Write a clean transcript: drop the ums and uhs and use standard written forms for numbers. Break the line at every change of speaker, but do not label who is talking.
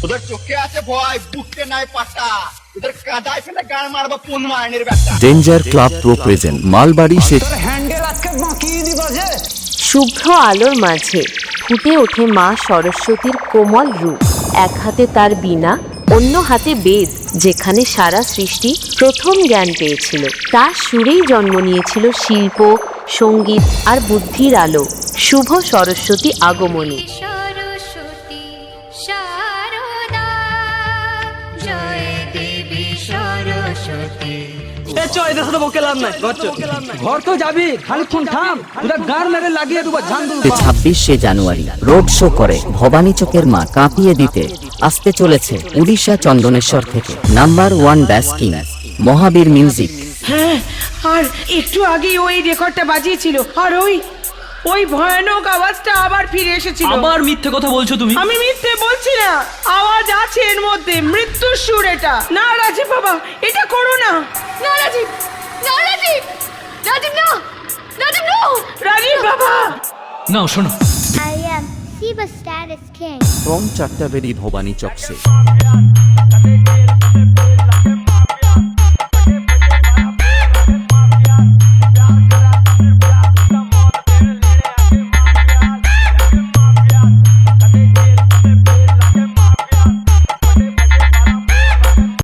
ওদের চোখে আছে ভয়, বুকতে নাই পাটা, ওদের কাদায় ফেলে গান মারবা কোন মাইনের ব্যাটা।
ডেঞ্জার ক্লাব প্রো প্রেজেন্ট মালবাড়ি সে
হ্যান্ডেল আজকে বাঁকিয়ে দিবা যে।
শুভ্র আলোর মাঝে ফুটে ওঠে মা সরস্বতীর কোমল রূপ। এক হাতে তার বীণা, অন্য হাতে বেদ, যেখানে সারা সৃষ্টি প্রথম জ্ঞান পেয়েছিল। তার সুরেই জন্ম নিয়েছিল শিল্প, সঙ্গীত আর বুদ্ধির আলো। শুভ সরস্বতী আগমনী।
সরস্বতী শারদা, জয় দেবী সরস্বতী।
ঘর তো যাবি, খানিক্ষণ থাম, তোরা গান মেরে লাগিয়ে দেবো ঝান্ডু।
26শে জানুয়ারি রোড শো করে ভবানী চোখের মা কাঁপিয়ে দিতে আসতে চলেছে উড়িষ্যা চন্দনেশ্বর থেকে নাম্বার 1 ব্যাস কিং মহাবীর মিউজিক।
হ্যাঁ, আর একটু আগে ওই রেকর্ডটা বাজিয়েছিল, আর ওই ভয়ানক আওয়াজটা আবার ফিরে এসেছিল।
আবার মিথ্যে কথা বলছো তুমি।
আমি মিথ্যে বলছি না, আওয়াজ আছে এর মধ্যে, মৃত্যুর সুর এটা। না রাজীব বাবা, এটা করো না।
না রাজীব, না রাজীব, রাজীব না, রাজীব না,
রাজীব বাবা।
নাও শোনো।
I am Shiva Status King.
From চারটাবেরি ভবানী চক সে